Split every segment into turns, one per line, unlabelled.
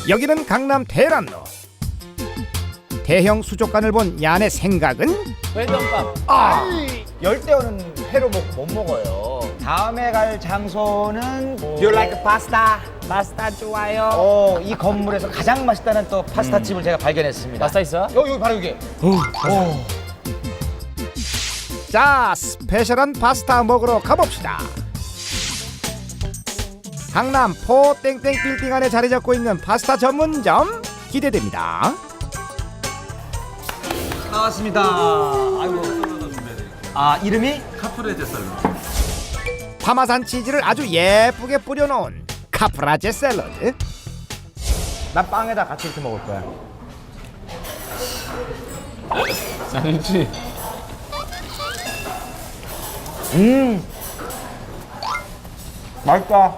여기는 강남 대란로. 대형 수족관을 본 얀의 생각은
회전밥. 열대어는 회로 못 먹어요. 다음에 갈 장소는 Do you like pasta?
파스타 좋아요.
이 건물에서 가장 맛있다는 또 파스타 집을 제가 발견했습니다.
파스타 있어?
여기 바로 여기.
자, 스페셜한 파스타 먹으러 가봅시다. 강남 포 땡땡 빌딩 안에 자리 잡고 있는 파스타 전문점 기대됩니다.
나왔습니다. 아이고. 이름이?
카프레제 샐러드.
파마산 치즈를 아주 예쁘게 뿌려놓은 카프라제 샐러드.
난 빵에다 같이 이렇게 먹을 거야.
쌍치.
맛있다.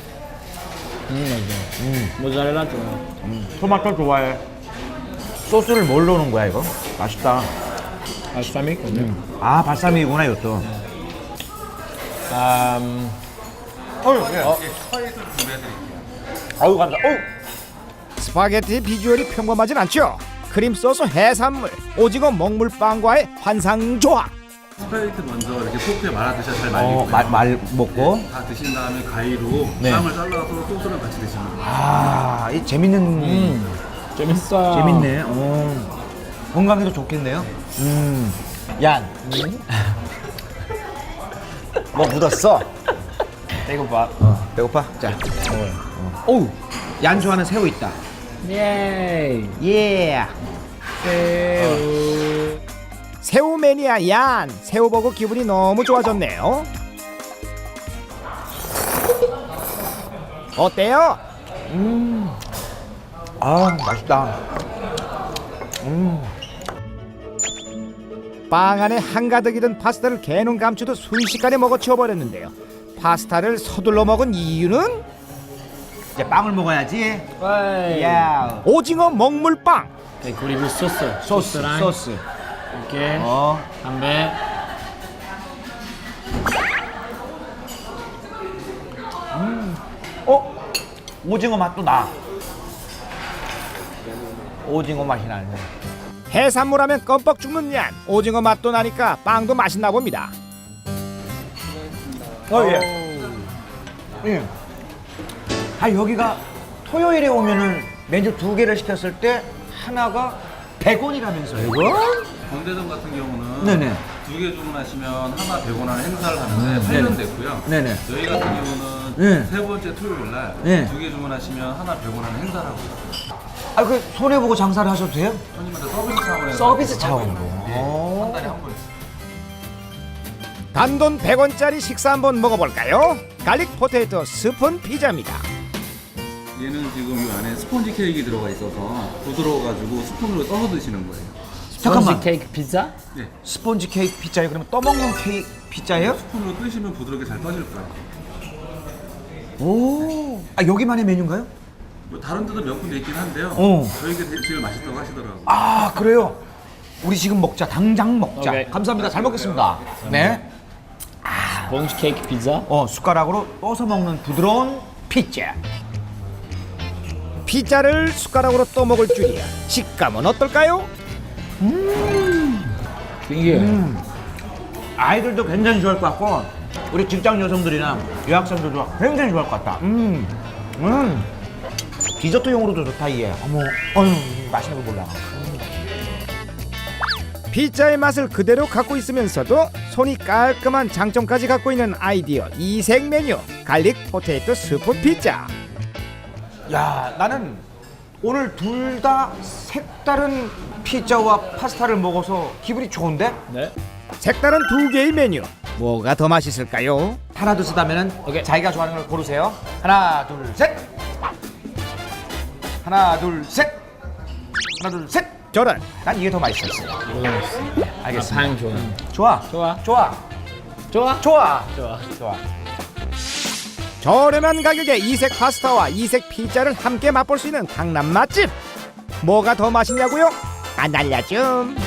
모짜렐라 좋아.
토마토 좋아해. 소스를 뭘 넣는 거야 이거? 맛있다.
발사믹?
발사믹이구나 이것도.
스파이스 준비해드릴게요.
아유 감사.
스파게티 비주얼이 평범하진 않죠. 크림 소스 해산물, 오징어 먹물빵과의 환상조합.
스파이스 먼저 이렇게 포크에 말아 드셔야 잘 말리고요.
말 먹고.
다 드신 다음에 가위로
네.
빵을 잘라서 소스랑 같이 드시면 돼요.
이 재밌는.
재밌어.
재밌네. 건강에도 좋겠네요. 얀. 뭐 묻었어?
배고파.
배고파? 자. 오우. 얀 좋아하는 새우 있다.
예이.
예.
새우.
새우 매니아 얀, 새우 보고 기분이 너무 좋아졌네요. 어때요?
맛있다.
빵 안에 한가득 이든 파스타를 개눈 감추듯 순식간에 먹어 치워버렸는데요. 파스타를 서둘러 먹은 이유는
이제 빵을 먹어야지.
와이.
야.
오징어 먹물빵.
그리고 소스. 소스랑
소스.
이렇게 담배.
오징어 맛도 나. 오징어 맛이 나네.
해산물 하면 껌뻑 죽는 얀. 오징어 맛도 나니까 빵도 맛있나 봅니다.
예. 여기가 토요일에 오면은 메뉴 2개를 시켰을 때 하나가 100원이라면서요. 100원?
건대점 같은 경우는
네네.
2개 주문하시면 하나 100원 하는 행사를 하는데 8년 됐고요.
네네.
저희 같은 경우는
네.
세 번째 토요일 날
네.
2개 주문하시면 하나 100원 하는 행사를 하고 있어요.
그 손해보고 장사를 하셔도 돼요?
손님한테 서비스 차원에서
서비스 차원으로.
한 달에 한 번씩.
단돈 100원짜리 식사 한번 먹어볼까요? 갈릭 포테이토 스푼 피자입니다.
얘는 지금 이 안에 스폰지 케이크 들어가 있어서 부드러워가지고 스푼으로 떠서 드시는 거예요.
잠깐만.
케이크 피자?
네.
스폰지 케이크 피자예요? 그러면 떠먹는 케이크 피자예요?
스푼으로 뜨시면 부드럽게 잘 떠질 거예요.
오. 여기만의 메뉴인가요?
뭐 다른 데도 몇 군데 있긴 한데요. 저희가 제일 맛있다고 하시더라고요.
그래요? 우리 지금 먹자. 당장 먹자.
오케이.
감사합니다. 잘 먹겠습니다. 네.
봉지 케이크 피자?
숟가락으로 떠서 먹는 부드러운 피자.
피자를 숟가락으로 떠먹을 줄이야. 식감은 어떨까요?
이게
아이들도 굉장히 좋아할 것 같고 우리 직장 여성들이나 유학생들도 굉장히 좋아할 것 같다. 디저트용으로도 좋다 이게. 맛있는 거 몰라.
피자의 맛을 그대로 갖고 있으면서도 손이 깔끔한 장점까지 갖고 있는 아이디어 이색 메뉴 갈릭 포테이토 스프 피자.
야, 나는 오늘 둘 다 색다른 피자와 파스타를 먹어서 기분이 좋은데?
네.
색다른 2개의 메뉴 뭐가 더 맛있을까요?
하나 둘 셋 하면은
오케이.
자기가 좋아하는 걸 고르세요. 하나 둘 셋. 하나 둘 셋. 하나 둘 셋.
저는
난 이게 더 맛있었어요. 알겠습니다.
방 좋아.
좋아.
좋아.
좋아.
좋아.
좋아.
좋아.
좋아.
저렴한 가격에 이색 파스타와 이색 피자를 함께 맛볼 수 있는 강남 맛집 뭐가 더 맛있냐고요? 안 알려줌.